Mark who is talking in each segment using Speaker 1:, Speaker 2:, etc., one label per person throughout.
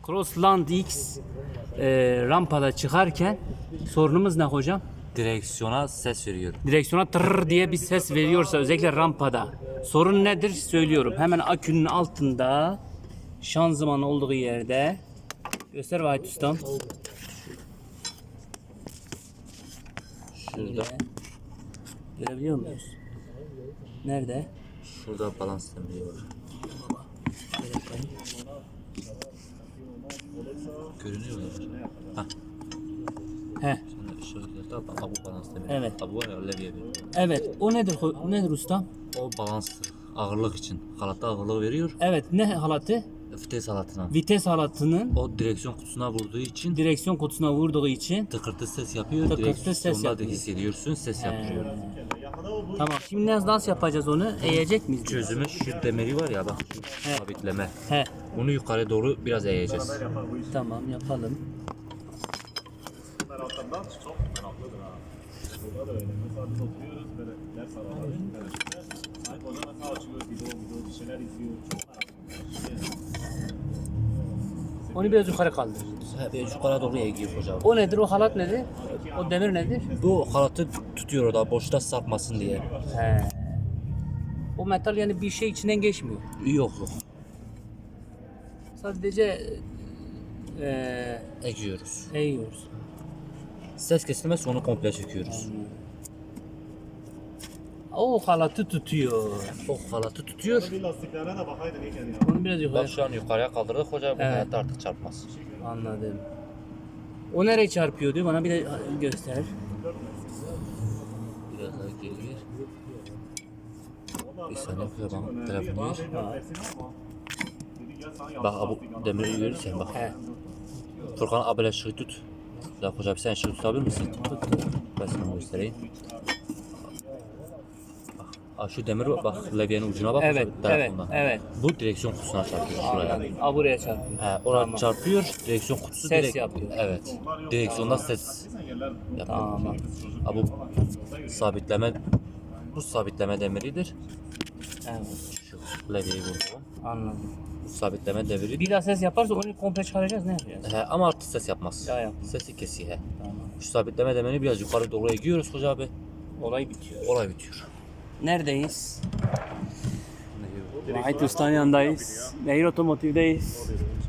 Speaker 1: Crossland X rampada çıkarken sorunumuz ne hocam?
Speaker 2: Direksiyona ses veriyor.
Speaker 1: Direksiyona tırr diye bir ses veriyorsa özellikle rampada sorun nedir söylüyorum. Hemen akünün altında şanzıman olduğu yerde göster Vahit Ustam.
Speaker 2: Şurada.
Speaker 1: Görebiliyor muyuz? Nerede?
Speaker 2: Şurada balans demiri var. Görünüyor mu? Hah.
Speaker 1: Heh.
Speaker 2: Şimdi işaretlerde bu balans demiri.
Speaker 1: Evet.
Speaker 2: Bu var ya levye veriyor.
Speaker 1: Evet. O nedir? Nedir ustam?
Speaker 2: O balanstır. Ağırlık için. Halatta ağırlığı veriyor.
Speaker 1: Evet. Ne halatı?
Speaker 2: Vites halatına.
Speaker 1: Vites halatının
Speaker 2: O direksiyon kutusuna vurduğu için
Speaker 1: direksiyon kutusuna vurduğu için
Speaker 2: tıkırtı ses yapıyor.
Speaker 1: Tıkırtı ses
Speaker 2: Direksiyonda da
Speaker 1: yapıyor.
Speaker 2: hissediyorsun. Ses yapıyor.
Speaker 1: Tamam. Şimdi nasıl yapacağız onu? Eğecek miyiz?
Speaker 2: Çözümü şu demiri var ya bak.
Speaker 1: He.
Speaker 2: Sabitleme.
Speaker 1: He.
Speaker 2: Bunu yukarı doğru biraz eğeceğiz.
Speaker 1: Tamam yapalım.
Speaker 3: Taraftan çok meraklıdır ha. Burada da öyle. Mesela biz oturuyoruz böyle ders araları. Sanki hoca mesela açıyor video bir şeyler izliyor. Çok meraklı.
Speaker 1: Onu biraz yukarı kaldıracağız.
Speaker 2: He, yukarı doğru eğiyor hocam.
Speaker 1: O nedir? O halat nedir? O demir nedir?
Speaker 2: Bu halatı tutuyor orada boşta sarkmasın diye.
Speaker 1: He. O metal yani bir şey içinden geçmiyor.
Speaker 2: Yok.
Speaker 1: Sadece
Speaker 2: Eğiyoruz.
Speaker 1: eğiyoruz.
Speaker 2: Ses kesilmezse onu komple çekiyoruz.
Speaker 1: O halatı tutuyor.
Speaker 2: O halatı tutuyor.
Speaker 3: Bir lastiklerine de bakaydın iyiken ya.
Speaker 1: Onu biraz yukarı.
Speaker 2: Bak şu an yukarıya kaldırdık hoca bu
Speaker 1: Evet.
Speaker 2: hayatta artık çarpmaz.
Speaker 1: Anladım. O nereye çarpıyor diyor bana bir de göster.
Speaker 2: Biraz daha geri gir. Bir saniye bana telefonu ver. Bak bu demiri görürsen bak.
Speaker 1: He.
Speaker 2: Furkan abiyle ışığı tut. Ya hoca sen ışığı tutabilir misin? Tut. Ben sana göstereyim. Bak şu demir bak levyenin ucuna bak.
Speaker 1: Evet, evet,
Speaker 2: telefondan.
Speaker 1: evet.
Speaker 2: Bu direksiyon kutusuna çarpıyor şuraya.
Speaker 1: Aa, buraya çarpıyor.
Speaker 2: He, oraya
Speaker 1: Tamam.
Speaker 2: çarpıyor, direksiyon kutusu
Speaker 1: Ses
Speaker 2: direkt
Speaker 1: yapıyor.
Speaker 2: Evet. Direksiyonda ses yapıyor.
Speaker 1: Tamam.
Speaker 2: Ha, bu sabitleme sabitleme demiridir.
Speaker 1: Evet.
Speaker 2: Şu levyeyi vurdum.
Speaker 1: Anladım.
Speaker 2: Bu sabitleme demiri.
Speaker 1: Bir daha ses yaparsa onu komple çıkaracağız ne yapacağız?
Speaker 2: He, ama artık ses yapmaz.
Speaker 1: Ya yapmaz.
Speaker 2: Sesi kesiyor he.
Speaker 1: Tamam.
Speaker 2: Şu sabitleme demirini biraz yukarı doğru eğiyoruz hoca abi.
Speaker 1: Olay bitiyor.
Speaker 2: Olay bitiyor.
Speaker 1: Neredeyiz? Vahit Usta'nın yanındayız. Nehir Otomotiv'deyiz.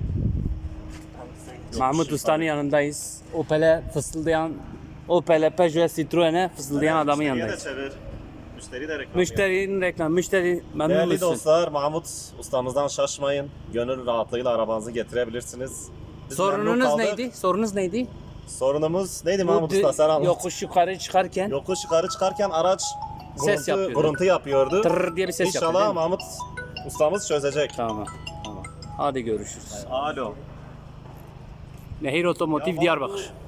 Speaker 1: Mahmut Usta'nın yanındayız. Opel'e fısıldayan, Opel'e, Peugeot, Citroen'e fısıldayan adamın
Speaker 3: Müşteriye de
Speaker 1: yanındayız.
Speaker 3: çevir. Müşteri de reklam.
Speaker 1: Müşterinin reklamı, müşteri memnun
Speaker 3: Değerli
Speaker 1: musun?
Speaker 3: dostlar, Mahmut ustamızdan şaşmayın. Gönül rahatlığıyla arabanızı getirebilirsiniz. Biz memnun
Speaker 1: Sorununuz
Speaker 3: kaldık.
Speaker 1: neydi? Sorunuz neydi?
Speaker 3: Sorunumuz neydi Mahmut
Speaker 1: Bu
Speaker 3: Usta, sen anlat.
Speaker 1: yokuş yukarı çıkarken
Speaker 3: Yokuş yukarı çıkarken araç
Speaker 1: Ses yapıyordu.
Speaker 3: guruntu yapıyordu.
Speaker 1: tırr diye bir ses yapıyor.
Speaker 3: İnşallah
Speaker 1: değil mi?
Speaker 3: Mahmut ustamız çözecek.
Speaker 1: Tamam. Tamam. Hadi görüşürüz.
Speaker 3: Alo.
Speaker 1: Nehir Otomotiv Diyarbakır.